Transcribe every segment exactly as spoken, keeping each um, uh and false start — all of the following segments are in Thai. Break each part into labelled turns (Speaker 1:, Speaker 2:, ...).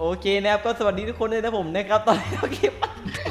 Speaker 1: เคนะครับก็สวัสดีทุกคนเลยนะผมนะครับตอนนี้เราเก็บ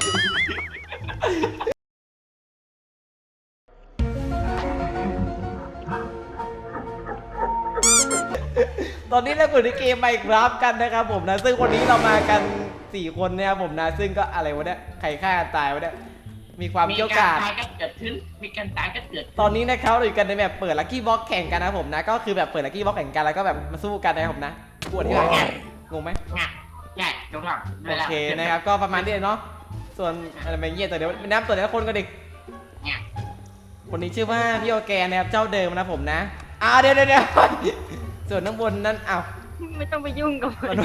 Speaker 1: ตอนนี้เราอยู่ในเกมไมน์คราฟกันนะครับผมนะซึ่งวันนี้เรามากันสี่คนนะครับผมนะซึ่งก็อะไรวะเนี่ยใครฆ่ากันตายวะเนี่ยมีความเกี่ยวกาด
Speaker 2: มีการตายก็เกิดขึ้นมีการตายก็เกิด
Speaker 1: ตอนนี้นะครับเราอยู่กันในแบบเปิดลัคกี้บ็อกแข่งกันนะผมนะก็คือแบบเปิดลัคกี้บ็อกแข่งกันแล้วก็แบบมาสู้กันนะครับผมนะปวดที่ไหนงงไหม
Speaker 2: ง่ายง่ายจงหลัง
Speaker 1: โอเคนะครับก็ประมาณนี้เนาะส่วนอะไรแบบเงี้ยแต่เดี๋ยวนับตัวแต่ละคนก็เด็ก
Speaker 2: ง่าย
Speaker 1: คนนี้ชื่อว่าพี่โอแกนนะครับเจ้าเดิมนะผมนะอ้าวเดี๋ยวเดี๋ยวเดี๋ยวส่วนข้างบนนั้นอ้าว
Speaker 3: ไม่ต้องไปยุ่งกับมัน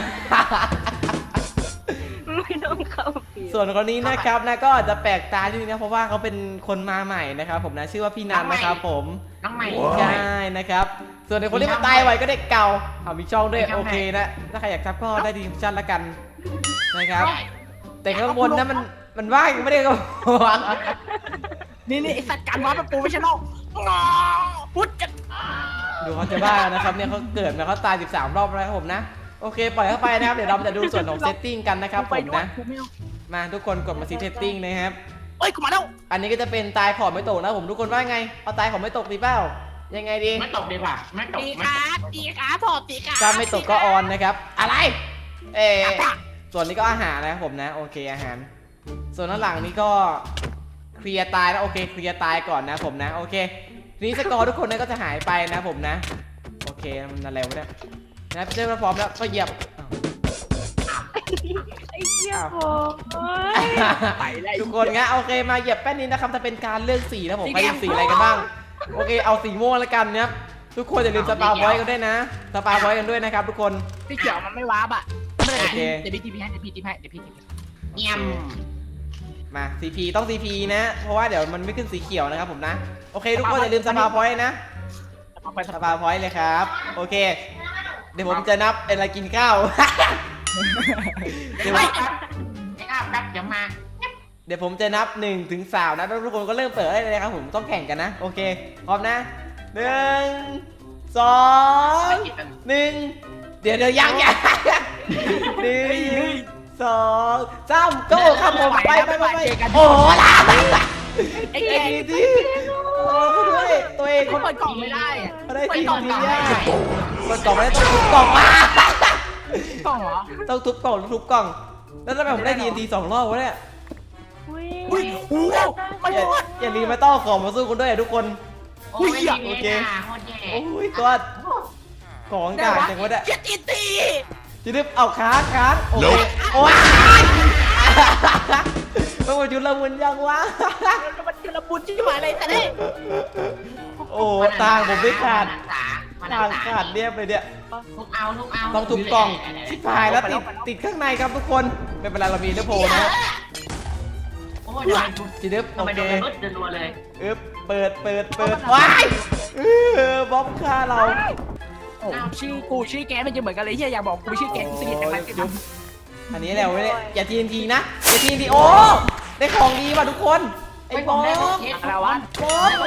Speaker 3: ไม่ต้องเข้าปี
Speaker 1: ส่วนคนนี้นะครับนะก็อาจจะแปลกตาที่นึงนะเพราะว่าเขาเป็นคนมาใหม่นะครับผมนะชื่อว่าพี่นันนะครับผม
Speaker 2: น้องใหม่
Speaker 1: ใช่นะครับส่วนในคนที่มาตายไวก็เด็กเก่าเอามีช่องด้วยโอเคนะถ้าใครอยากทับก็ได้ดีชั่นละกันนะครับแต่ข้างบนนั้นมันมันว่างไม่ได้ก็วาง
Speaker 4: นี่นี่ไอสัตว์การวาร์ปเป็นโปรเฟชชั่นอลพุทธกัน
Speaker 1: ดูเขาจะบ้านะครับเนี่ยเขาเกิดมาเขาตายสิบสามรอบแล้วครับผมนะโอเคปล่อยเข้าไปนะครับเดี๋ยวเราจะดูส่วนของเซตติ้งกันนะครับผมนะมาทุกคนกดมาซีเซตติ้งนะครับ
Speaker 4: เอ้ยกูมาแล้ว
Speaker 1: อันนี้ก็จะเป็นตายขอบไม่ตกนะผมทุกคนว่าไงเอาตายขอบไม่ตกดีเปล่ายังไงดี
Speaker 2: ไม่ตกดีกว่าไม่ตก
Speaker 4: ตี
Speaker 2: ไม่
Speaker 4: ขา
Speaker 2: ตก
Speaker 4: ตีขาพอตีขา
Speaker 1: ถ้าไม่ตกก็ออนนะครับอะไรเออส่วนนี้ก็อาหารนะครับผมนะโอเคอาหาร ส่วนด้านหลังนี้ก็เคลียร์ตายนะโอเคเคลียร์ตายก่อนนะผมนะโอเคทีนี้สกอร์ทุกคนนั้นก็จะหายไปนะผมนะโอเคมันอะไรวะเนี่ยนะเจ้าพร้อมแล้วก็เหยียบ
Speaker 3: ไอ้เหี้ยโอ้ย
Speaker 4: ไปแล้ว
Speaker 1: ทุกคนงั้นโอเคมาเหยียบแป้นนี้นะครับจะเป็นการเลือกสีนะผมใครเลือกสีอะไรกันบ้างโอเคเอาสีม่วงแล้วกันนะครับทุกคนอย่าลืมสปาร์ไว้กันด้วยนะสปาร์ไว้กันด้วยนะครับทุกคน
Speaker 4: พี่เขียวมันไม่วาร์ปอ่ะไม่ได้
Speaker 1: โอเค
Speaker 4: เดี๋ยวพี่ทีพีให้เดี๋ยวพี่ทีพีให้เดี๋ยวพี่ทีพี
Speaker 2: เงียบ
Speaker 1: มา ซี พี ต้อง ซี พี นะเพราะว่าเดี๋ยวมันไม่ขึ้นสีเขียวนะครับผมนะโอเคทุกคนอย่าลืมสปาร์ไว้นะ
Speaker 4: เอาไป
Speaker 1: สปาร์ไว้เลยครับโอเคเดี๋ยวผมจะนับเวลากินข้าว เดี๋ยวผม
Speaker 2: ไม่อาบแป๊บเดี๋ยวมา
Speaker 1: เดี๋ยวผมจะนับหนึ่งถึงสามนะแล้วทุกคนก็เริ่มเปิดได้เลยนะครับผมต้องแข่งกันนะโอเคพร้อมนะหนึ่งสองหนึ่งเดี๋ยวเดี๋ยวยังยังหนึ่งสองสามโก้ครับผมไปไปไปไปโอ้โหล่ะ
Speaker 4: ไอ้
Speaker 1: ไอ้
Speaker 4: แก
Speaker 1: ดีที่โอ้ด้วยตัวเอง
Speaker 4: เขาเปิดกล่องไม่ได้อะ
Speaker 1: เขาได้ทีมดีอ่ะเปิดกล่องไม่ได้ต้องทุบกล่องมาก
Speaker 4: ล่องเหรอ
Speaker 1: ต้องทุบกล่องทุบกล่องแล้วทำไมผมได้ทีมดีสองรอบวะเนี่ย
Speaker 4: อุ้ยโอ้โหไม่
Speaker 1: อย่าร
Speaker 4: อด
Speaker 1: อย่าลืมมาต้อของมาสู้กันด้วยทุกคน
Speaker 2: โอ้ยโอเคโคตรแย่
Speaker 1: โอ้ยตัวของกลางจังวะเนี่ย
Speaker 4: เจ็ดอีตี
Speaker 1: จะดึบเอาค้างค้างโอเคโอ้ยมันมาจุลมุนยังวะ
Speaker 4: มันกระบุนที่หมายอะไรแต่เนี่ย
Speaker 1: โอ้ตางผมไม่ขาด
Speaker 2: มา
Speaker 1: ตางขาดเรียบเลยเนี่ย
Speaker 2: ทุกเอาทุกเอา
Speaker 1: ต้องทุบกล่องชิบหายแล้วติดติดข้างในครับทุกคนไม่เป็นไรเรามีเนื้อโพนะ
Speaker 2: โอ้ยทำไม
Speaker 1: จีดึบโอ
Speaker 2: ทำไม
Speaker 1: เค
Speaker 2: โดนรถเดินรัวเลย
Speaker 1: อึ๊บเปิดเปิดเปิดว้ายเออบล็อกฆ่าเรา
Speaker 4: โอ้ชื่อกูชื่อแกมันจะเหมือนกันเลยที่อยากบอกกูชื่อแกกูสนิทกันไหม
Speaker 1: อันนี้แหละเว้ยอย่าทีนทีนะอย่าทีนทีโอ้ได้ของดีว่ะทุกคนไอ้บอส
Speaker 4: อะไรวะ
Speaker 1: บอส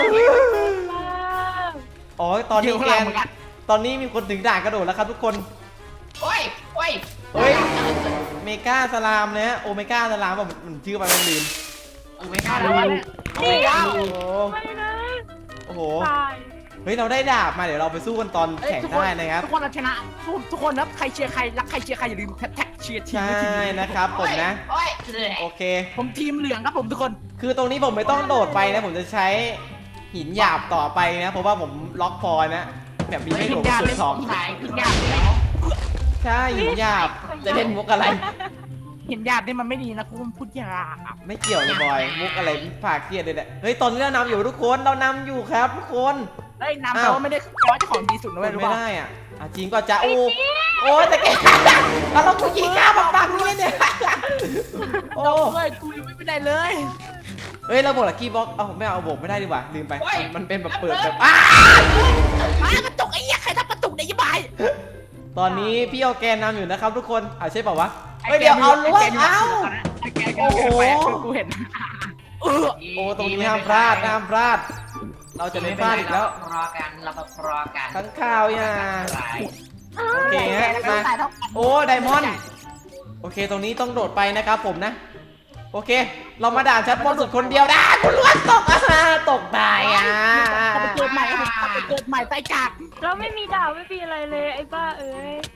Speaker 1: อ๋อตอนนี้แกนตอนนี้มีคนถึงด่านกระโดดแล้วครับทุกคน
Speaker 2: โอ้ยโอ้ย
Speaker 1: เฮ้ยเมกาสลามนะฮะโอเมกาสลามแบบมันชื่อมันลืม
Speaker 2: เออไม่กล้า
Speaker 4: อะไร
Speaker 2: เล
Speaker 4: วะ
Speaker 2: ย
Speaker 4: เนี่ย
Speaker 1: โอ้โห
Speaker 3: ไม่นะ
Speaker 1: โอ้โห
Speaker 3: ตาย
Speaker 1: เฮ้ยเราได้ดาบมาเดี๋ยวเราไปสู้กันตอนแข่งได้นะครับ
Speaker 4: ทุกคนเราชนะทุกคนนะใครเชียร์ใครรักใครเชียร์ใครอย่าลืมแท็กเชียร์ทีม
Speaker 1: ใช่นะครับผมนะ
Speaker 2: โอ้ย
Speaker 1: โอเค
Speaker 4: ผมทีมเหลืองครับผมทุกคน
Speaker 1: คือตรงนี้ผมไม่ต้องโดดไปนะผมจะใช้หินหยาบต่อไปนะเพราะว่าผมล็อกพอยนะแบบมีให้โดดสุดสอง
Speaker 2: สายขึ้นยากแล้ว
Speaker 1: ใช่หินหยาบจะเล่นมุกอะไร
Speaker 4: เห็นหยาบนี่มันไม่ดีนะกูพูดหยาบ
Speaker 1: ไม่เกี่ยวเลยบอยมุกอะไรฝากเครียดเลยแหละเฮ้ยตอนนี้เรานำอยู่ทุกคนเรานำอยู่ครับทุกคน
Speaker 4: เฮ้ยนำแต่ว่าไม่ได้ร้อยเจ้าของดีสุดนะเว้ยรู้
Speaker 1: ไม่
Speaker 4: ป่ะ
Speaker 1: ได้อ่ะอ่ะจริงก็จะโอ้โอ้แต่แกเราเรากูยิงข้าวปังๆนี่เนี่ยโอ้
Speaker 4: เฮ้ยกูยังไม่ไปไหนเลย
Speaker 1: เฮ้ยเราบอกละกี้บ็อกเอาไม่เอาบอกไม่ได้ดีกว่าลืมไปมันเป็นแบบเปิดแบบอ้า
Speaker 4: มากระตุกไอ้เหี้ยใครทำกระตุกเนี่ยยี่บาย
Speaker 1: ตอนนี้พี่เอาแกนนำอยู่นะครับทุกคนอ่ะใช่เปล่าวะเฮ้ยเดี๋ยวเอาล้วงเอา
Speaker 4: โอ้โหกูเห็นเออ
Speaker 1: โอ้ตรงนี้ห้ามพลาดห้ามพลาด เราจะไม่พลาดอีกแล้ว
Speaker 2: รอกันเรารอกัน
Speaker 1: ทั้งข้าวอย่าโอเคฮะมา
Speaker 4: ตายเท่ากัน
Speaker 1: โอ้ไดมอนด์โอเคตรงนี้ต้องโดดไปนะครับผมนะโอเค เรามาด่านชั้นบนสุดคนเดียวนะคุณล้วนตกอ่ะตกตายอ่ะ
Speaker 4: กลับไปเกิดใหม่กลับไปเกิดใหม่ใต้จาก
Speaker 3: เราไม่มีดาวไม่มีอะไรเลยไอ้บ้าเอ้ย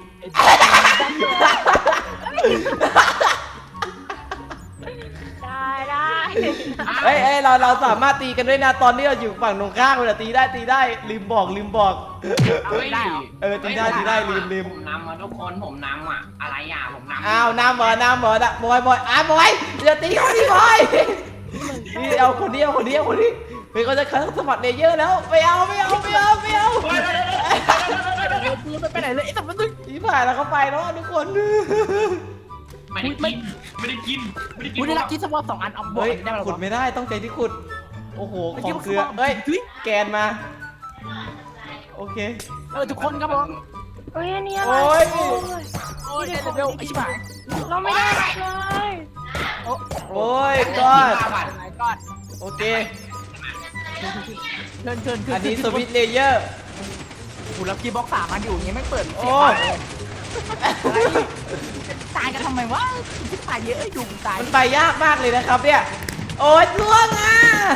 Speaker 3: ได้ได้
Speaker 1: เอ้ยเอ้ยเราเราสามารถตีกันด้วยนะตอนที่เราอยู่ฝั่งตรงข้ามเลยตีได้ตีได้ลืมบอกลืมบอก
Speaker 2: เฮ้ย
Speaker 1: เออตีได้ตีได้ลืมลืม
Speaker 2: ผมนำมาทุกคนผมนำอ่ะอะไรอ่ะผมนำ
Speaker 1: อ้าวน้ำเหรอน้ำเหรอนะบอยบอยอ้าวบอยอย่าตีเขาดิบอยนี่เอาคนเดียวคนเดียวคนนี้เฮ้ยเขาจะคัดสมัครเลเยอร์แล้วไม่เอาไม่เอาไม่เอาไม่เอา
Speaker 4: กูไม่ไปไหนเลยไอ้สัตว์มันตึ้ง
Speaker 1: อีผ่านแล้วเขาไปแล้วทุกคน
Speaker 2: ไม่ได้กินไม่ได้กินไม่ได้กิน
Speaker 4: กูได้รับคิดสวอปสองอันเอาบอ
Speaker 1: เฮ้ย
Speaker 4: กได้ไหม
Speaker 1: ขุดไม่ได้ต้องใจที่ขุดโอ้โหของเกลือเฮ้ยแกนมาโอเค
Speaker 4: เออทุกคนครับผม
Speaker 3: เฮ้ยอันนี้อะไร
Speaker 1: โอ้ย
Speaker 4: โอ้ยเร็วไอ้ชิบหาย
Speaker 3: เราไม่ได้เลย
Speaker 1: โอ้ยก็
Speaker 4: ไหนก่อน
Speaker 1: โอเค
Speaker 4: เชิญเชิญ
Speaker 1: อันนี้สวิตช์เลเยอร์
Speaker 4: กูรับคีย์บ็อกซ์สามอันอยู่อย่างเงี้ยไม่เปิด
Speaker 1: โอ้ย
Speaker 4: ตายกันทำไมวะที่ตายเยอะอยู่ตาย
Speaker 1: มันไปยากมากเลยนะครับเนี่ยโอ้ยล่วงอ่ะ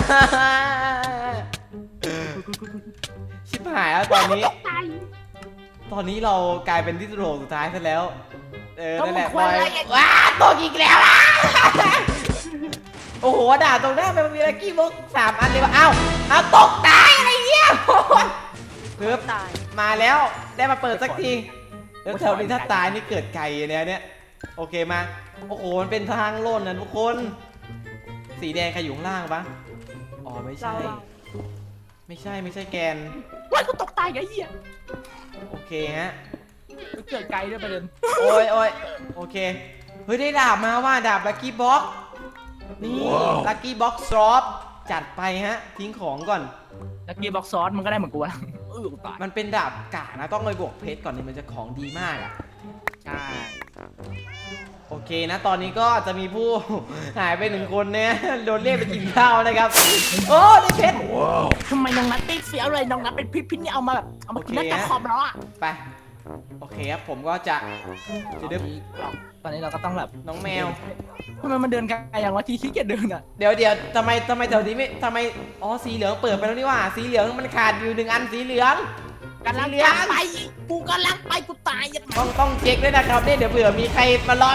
Speaker 1: ชิบหายแล้วตอนนี้
Speaker 3: ตาย
Speaker 1: ตอนนี้เรากลายเป็นที่สุดโหดสุดท้ายซะแล้ว เออ
Speaker 4: ต้อง
Speaker 1: นั่นแหละ
Speaker 4: ควาย
Speaker 1: ว้าตกอีกแล้วอ่ะโอ้โหด่าตรงหน้ามันมีลักกี้บ็อกสามอันเลยวะอ้าวอ้าวตกตายอะไรเงี้ยโอ้ยเพิ่ม
Speaker 3: ตาย
Speaker 1: มาแล้วได้มาเปิดสักทีแล้วแถวนี้ถ้าตายนี่เกิดไก่เนี่ยเนี่ยโอเคมาโอ้โหมันเป็นทางโล่นนะทุกคนสีแดงใครอยู่ข้างล่างปะอ๋อไม่ใช่ ไม่ใช่ไม่ใช่แกน
Speaker 4: ว้ายกูตกตายไอ้เหี้ย
Speaker 1: โอเคฮะ
Speaker 4: เกิดไกลด้วยประเด็น
Speaker 1: โอ้ยโอ้ยโอเคเฮ้ยได้ดาบมาว่าดาบลักกี้บ็อกนี่ลักกี้บ็อกซอฟจัดไปฮะทิ้งของก่อน
Speaker 4: แล้วกีบ็อกซอสมันก็ได้เหมือนกูวะเออตาย
Speaker 1: มันเป็นดาบกานะต้องไปบวกเพชรก่อนนี่มันจะของดีมากอ่ะ
Speaker 4: ใช่
Speaker 1: โอเคนะตอนนี้ก็จะมีผู้ หายไปหนึ่งคนเนี่ยโดนเรียกไปกินข้าวนะครับโอ้ได้เพชร
Speaker 4: ทำไมน้องนัทติดเสียเลยน้องนัทเป็นพิษพิษนี่เอามาแบบเอามากิน
Speaker 1: โอ
Speaker 4: นั
Speaker 1: เค
Speaker 4: กจาก
Speaker 1: ฮะ
Speaker 4: คอมแล้วอ่ะ
Speaker 1: ไปโอเคครับผมก็จะจะดึบ
Speaker 4: ตอนนี้เราก็ต้องแบบ
Speaker 1: น้องแมว
Speaker 4: ทำไมมันเดินไกลอย่างวะทีขี้เกียจเดินอ่ะ
Speaker 1: เดี๋ยวเดี๋ยวทำไมทำไมแถวนี้ไม่ทำไมอ๋อสีเหลืองเปิดไปแล้วนี่ว่าสีเหลืองมันขาดอยู่หนึ่งอันสีเหลือง
Speaker 4: กำลัง
Speaker 1: สีเหลือง
Speaker 4: ไปกูกำลังไปกูตายยัง
Speaker 1: ต้องต้องเช็คด้วยนะครับเนี่ยเดี๋ยวเผื่อมีใครมารอ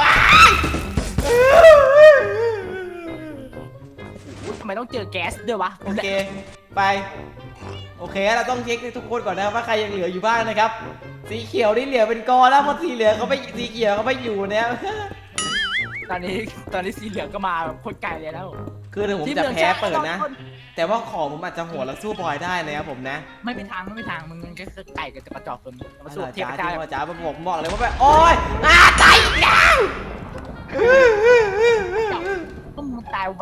Speaker 4: ทำไมต้องเจอแก๊สด้วยวะ
Speaker 1: โอเคไปโอเคเราต้องเช็คให้ทุกคนก่อนนะครับว่าใครยังเหลืออยู่บ้างนะครับ สีเขียวนี่เหลือเป็นกอแล้วเพราะสีเหลืองเขาไม่สีเขียวเขาไม่อยู่เนี่ย
Speaker 4: ตอนนี้ตอนนี้สีเหลืองก็มาแบบโคตรไกลเลยแล้ว
Speaker 1: คือเดี๋ยวผมจะแพ้เปิดนะ แต่ว่าของผมอาจจะโหดแล้วสู้บอยได้นะครับผมนะ
Speaker 4: ไม่มีทางไม่มีทางมึงก็คือไก่กับจะกระจอกตัวนี้มาสู้
Speaker 1: อา
Speaker 4: เทียบ
Speaker 1: จาร
Speaker 4: กับ
Speaker 1: ย์
Speaker 4: เจ้า
Speaker 1: ที่อาจารย์ผมบอกเลยว่าแบบโอ๊ยอาตายอีกแล้ว
Speaker 4: ต้องมึงตายไป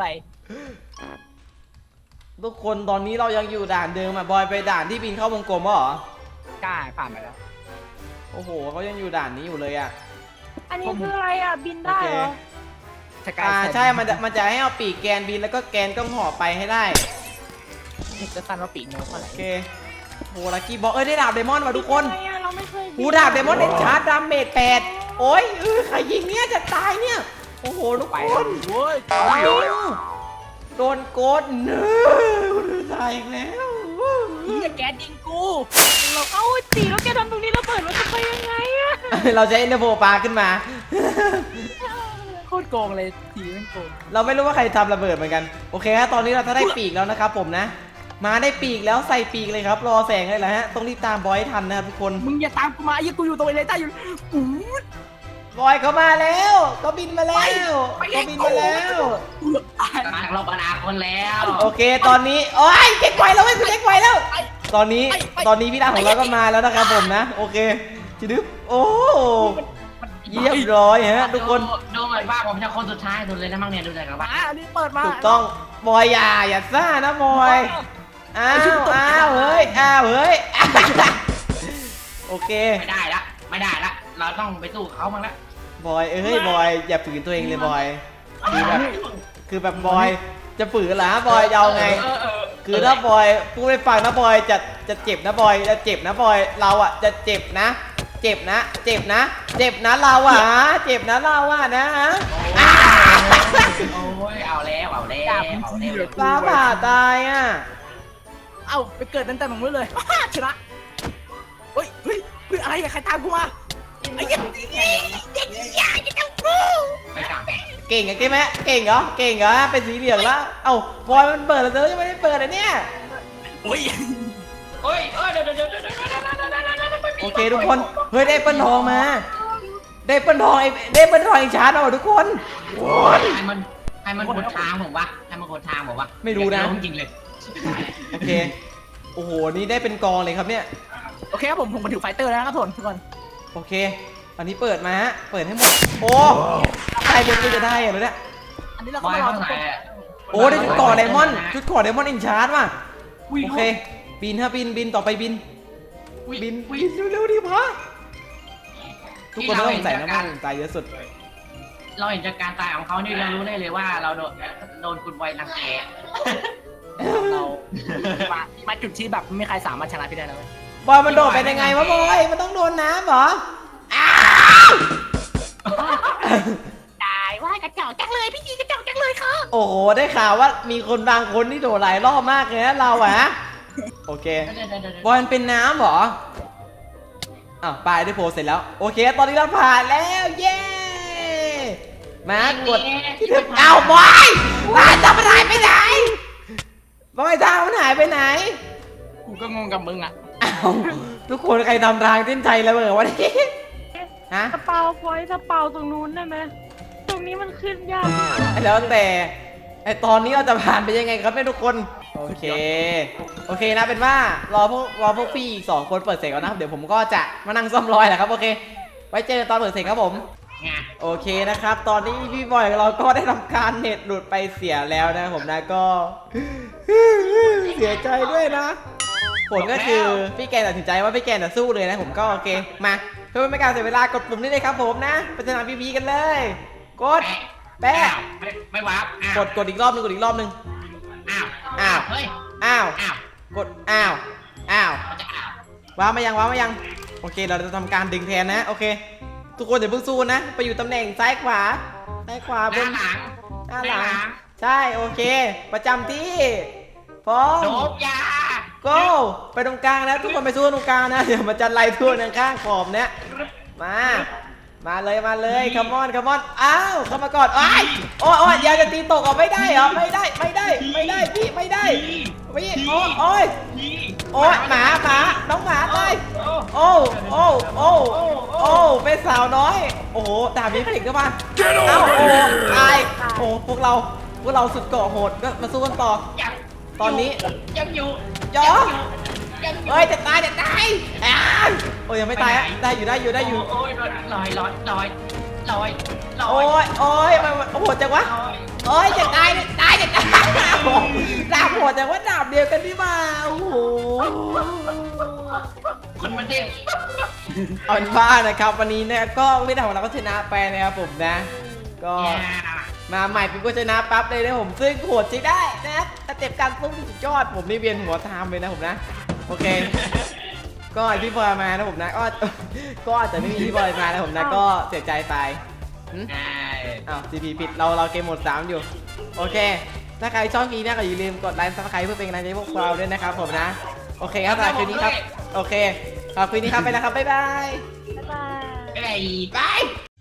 Speaker 1: ทุกคนตอนนี้เรายังอยู่ด่านเดิมอ่ะบอยไปด่านที่บินเข้าวงกลมเหรอก
Speaker 4: ล้าผ่านไปแล้ว
Speaker 1: โอ้โหเขายังอยู่ด่านนี้อยู่เลยอ่ะ
Speaker 3: อันนี้คืออะไรอ่ะบินได้เหรอ
Speaker 4: สกาย
Speaker 1: อ่าใช่มันจะมันจะให้เอาปีกแกนบินแล้วก็แกนต้องห่อไปให้ได้
Speaker 4: จะสั้นว่าปีกโน้ตเท่าไหร่
Speaker 1: โอเคโหลักกี้บอกเอ้ยได้ดาบเดมอนมาทุกคน
Speaker 3: ทำไมอะเราไม่เคยบิน
Speaker 1: หูดาบเดมอนเด็ดชาร์จดาเมจแปดโอ้ยเออใครยิงเนี่ยจะตายเนี่ยโอ้โหทุก
Speaker 4: ไป
Speaker 1: คน
Speaker 4: เว้ย
Speaker 1: โดนโกดเนื้อตายอีกแล้ว
Speaker 4: เฮียแก๊สยิงกู
Speaker 3: เราเอ้าตีแล้วแกทำตรงนี้เราเปิดมันจะไปยังไงอะ
Speaker 1: เราจะเอ็นเดอร์โฟปลาขึ้นมา
Speaker 4: โคตรโกงเลยทีมันโกง
Speaker 1: เราไม่รู้ว่าใครทำระเบิดเหมือนกันโอเคฮะตอนนี้เราถ้าได้ปีกแล้วนะครับผมนะ มาได้ปีกแล้วใส่ปีกเลยครับรอแสงเลยแหละฮะต้องรีบตามบอยให้ทันนะครับทุกคน
Speaker 4: มึงอย่าตามกูมาไอ้กูอยู่ตรงไอ้เลต้าอยู่กู
Speaker 1: บอยเขามาแล้วเขาบินมาแล้วเขาบินมาแล้ว
Speaker 4: กูตาย
Speaker 2: กำลังลบอนาคตแล้ว
Speaker 1: โอเคตอนนี้โอ้ยเช็คไวแล้วเว้ยคุณเช็คไวแล้ว ตอนนี้ตอนนี้พี่ดาของเราก็มาแล้วนะครับผมนะโอเคจิดึ๊บโอ้เยี่ยมร้อยฮะทุกคน
Speaker 2: ดูเหมือนว่าผมจะคนสุดท้ายดูเลยนะมั่งเนี่ยดูเลยครับว่า
Speaker 4: อ่ะอันนี้เปิดมา
Speaker 1: ถูกต้องบอยอย่าอย่าซ่านะบอยอ้าวอ้าวเฮ้ยอ้าวเฮ้ยโอเค
Speaker 2: ไม่ได้ละไม่ได้ละเราต้องไปสู้เขาบ้างละ
Speaker 1: บอยเอ้ยบอยอย่าฝืนตัวเองเลยบอยคือแบบคือแบบบอยจะฝืนเหรอบอยจะเอาไง
Speaker 2: เออเออ
Speaker 1: คือถ้าบอยพูดไปฟังนะบอยจะจะเจ็บนะบอยจะเจ็บนะบอยเราอ่ะจะเจ็บนะเจ็บนะ เจ็บนะ เจ็บนะเราอ่ะเจ็บนะเราอ่ะนะ
Speaker 2: โอ้ยเอาแล้วเอาแล้วเอาแล้ว
Speaker 1: ฟ้าผ่าตายอ่ะ
Speaker 4: เอ้าไปเกิดตั้งแต่ตรงนู้นเลยชนะเฮ้ยเฮ้ยเฮ้ยอะไรอะใครตามกูมาไอ้เหี้ยเด็กยาจะต้องกู
Speaker 2: ไปกลับ
Speaker 1: เก่งอะเก่งไหมเก่งเหรอ เก่งเหรอ เป็นสีเหลืองแล้ว เอ้าบอยมันเปิดแล้วเธอยังไม่ได้เปิดเลยเนี่ย
Speaker 4: โอ้ย
Speaker 2: เฮ้ยเฮ้ยเดี๋ยวเดี๋ยวเดี๋ยวเดี๋ยวเดี๋ยวเดี๋ยวเดี๋ยว
Speaker 1: โอเคทุกคน เฮ้ยได้เปิ้ลทองมา ได้เปิ้ลทองไอ้ได้เปิ้ลทองอีกชาร์จเอาทุกคน
Speaker 2: ให้มันให้มันกดทางผมวะให้มันกดทางผมวะ
Speaker 1: ไม่รู้นะ
Speaker 2: จริงเลย
Speaker 1: โอเค โอ้โห นี่ได้เป็นกองเลยครับเนี่ย
Speaker 4: โอเคครับผมผมมาถือไฟเตอร์แล้วนะครับทุกคนทุกคน
Speaker 1: โอเค อันนี้เปิดมาฮะ เปิดให้หมด โอ้ใครเป็นจะได้อะเนี่ย
Speaker 4: อันนี้เรา
Speaker 2: บ
Speaker 4: ก็
Speaker 2: อย
Speaker 4: มารอ
Speaker 2: ข้าง
Speaker 4: ทุก
Speaker 2: ไหน
Speaker 4: คน
Speaker 2: อะ
Speaker 1: โอ้ได้ชุดเก่อไดมอนด์ชุดเก่อไดมอนด์อินชาร์ดว่ะ
Speaker 2: อุ้ย
Speaker 1: โอเค บินฮะบินบินต่อไปบิน
Speaker 2: อุ้ย
Speaker 1: บิน
Speaker 2: อุ้ย
Speaker 1: บินเร็วๆดิพะทุกคนต้องใส่น้ำมันตายเยอะสุด
Speaker 2: เราเห็นจากการตายของเขานี่เรารู้ได้เลยว่าเราโดนโดนคุณไวรังแก
Speaker 4: เรามามาจุดที่แบบไม่มีใครสามารถชนะพี่ได้แล้วเว้ย
Speaker 1: บอยมันโดดไปยังไงวะบอย มันต้องโดนน้ำเหรอ อ้าว
Speaker 4: ตายว่ากระจอกจังเลยพี่จีกระจอกจังเลยค่ะ
Speaker 1: โอ้โห ได้ข่าวว่ามีคนบางคนที่โดดหลายรอบมากเลยนะเราอะโอเค
Speaker 2: เดี๋ยวเดี๋ยวเดี๋ยวเดี๋ยว
Speaker 1: บอยมันเป็นน้ำเหรอ อ้าวปลายได้โพสเสร็จแล้ว โอเค ตอนนี้เราผ่านแล้ว เย้ มากดที่ถึงอ้าวบอยบอยจะมันหายไปไหน บอยทางมันหายไปไหน
Speaker 4: กูก็งงกับมึงอ่ะ
Speaker 1: อ้าวทุกคนใครทำทางเส้นชัยแล้วเหรอวะนี่ฮะ
Speaker 3: สเปาพอยสเปาตรงนู้นได้ไหมตรงนี้มันขึ้นยาก
Speaker 1: แล้วแต่ไอตอนนี้เราจะผ่านไปยังไงครับเนี่ยทุกคน โอเค โอเคนะเป็นว่ารอพวกรอพวกพี่อีกสองคนเปิดเสร็จก่อนนะครับเดี๋ยวผมก็จะมานั่งซ่อมรอยแหละครับโอเค ไว้เจอตอนเปิดเสร็จครับผม
Speaker 2: ไง
Speaker 1: โอเคนะครับ ตอนนี้พี่บอยของเราก็ได้ทำการเน็ตหลุดไปเสียแล้วนะครับผมนะก็ เสียใจด้วยนะผลก็คือพี่แกนตัดสินใจว่าพี่แกนจะสู้เลยนะผมก็โอเคมาเพื่อไม่ให้การเสียเวลากดปุ่มนี้เลยครับผมนะไปสนามพีพีกันเลย กดแป๊ะ
Speaker 2: ไม่ไม่วาร์ปอ้าว
Speaker 1: กดกดอีกรอบหนึงกดอีกรอบหนึง
Speaker 2: อ้าว
Speaker 1: อ้าว
Speaker 2: เฮ้ย
Speaker 1: อ้าว
Speaker 2: อ้าว
Speaker 1: กดอ้าวอ้าว
Speaker 2: มันจะอ้าว
Speaker 1: ว้าวมายังว้าวมายังโอเคเราจะทำการดึงแทนนะโอเค ทุกคนอย่าเพิ่งสู้นะไปอยู่ตำแหน่งซ้ายขวาซ้ายขวา
Speaker 2: ห
Speaker 1: บ
Speaker 2: น้าน หลัง
Speaker 1: หน้าหลังใช่โอเค ประจำที่พร้อม
Speaker 2: โดบยา
Speaker 1: go ไปตรงกลางนะทุกคนไปสู้ตรงกลางนะเดี๋ยวมันจะไล่ทั่วทางข้างขอบเนี่ยมามาเลยมาเลยคัมมอนคัมมอนอ้าวเข้ามาก่อนอ้ายโอ้ยโอ้ยอยาจะตีตกออกไม่ได้เหรอไม่ได้ไม่ได้ไม่ได้พี่ไม่ได้พี่โอ้ยโอ้ย
Speaker 2: พี่
Speaker 1: โอ้ยหมาหมาน้องหมาตาย
Speaker 2: โอ้
Speaker 1: โอ้โอ้โอ้โอ้เป็นสาวน้อย โอ้โหดาบนี้ผลิตเข้ามาเอ้าโอ้ตายโอ้พวกเราพวกเราสุดเกาะโหดก็มาสู้กันต่อ
Speaker 2: ยัง
Speaker 1: ตอนนี้
Speaker 2: ยังอยู่
Speaker 1: ยอ
Speaker 2: ยังอยู่
Speaker 1: เอ้ยจะตายจะตายอ้าวโอ้ยยังไม่ตายอะได้อยู่ได้อยู่ได้อยู่
Speaker 2: โอ้ยลอยลอยลอยลอยลอย
Speaker 1: โอ้ยโอ้ยมันมันโหดจังวะ
Speaker 2: ลอย
Speaker 1: โอ้ยจะตายจะตายจะตายโอ้โหดาบโหดแต่ว่าดาบเดียวกันนี่มาโอ้โห
Speaker 2: คนมันเด้ง
Speaker 1: เอาเป็นว่านะครับวันนี้เนี่ยก็ไม่ได้ของเราก็ชนะไปนะครับผมนะ ก็มาใหม่ปิ๊บก็ชนะปั๊บเลยนะผมซึ่งโหดใช้ได้นะสเต็ปการสู้ที่สุดยอดผมนี่เวียนหัวตามเลยนะผมนะโอเค ก็ไอพี่บอยมานะผมนะก็ก็อาจจะไม่มีพี่บอยมานะผมนะก็เสียใจไปหึ
Speaker 2: ใช่
Speaker 1: อ้าว จี พี ผิดเราเราเกมโหมดสามอยู่โอเค ถ้าใครชอบคลิปนี้ก็อย่าลืมกดไลค์ซับสไครต์เพื่อเป็นกำลังใจให้พวกเราด้วยนะครับผมนะโอเคครับสำหรับคลิปนี้ครับโอเคสำหรับคลิปนี้ครับไปแล้วครับบ๊ายบาย
Speaker 3: บ๊ายบาย
Speaker 2: ไอ้
Speaker 1: บาย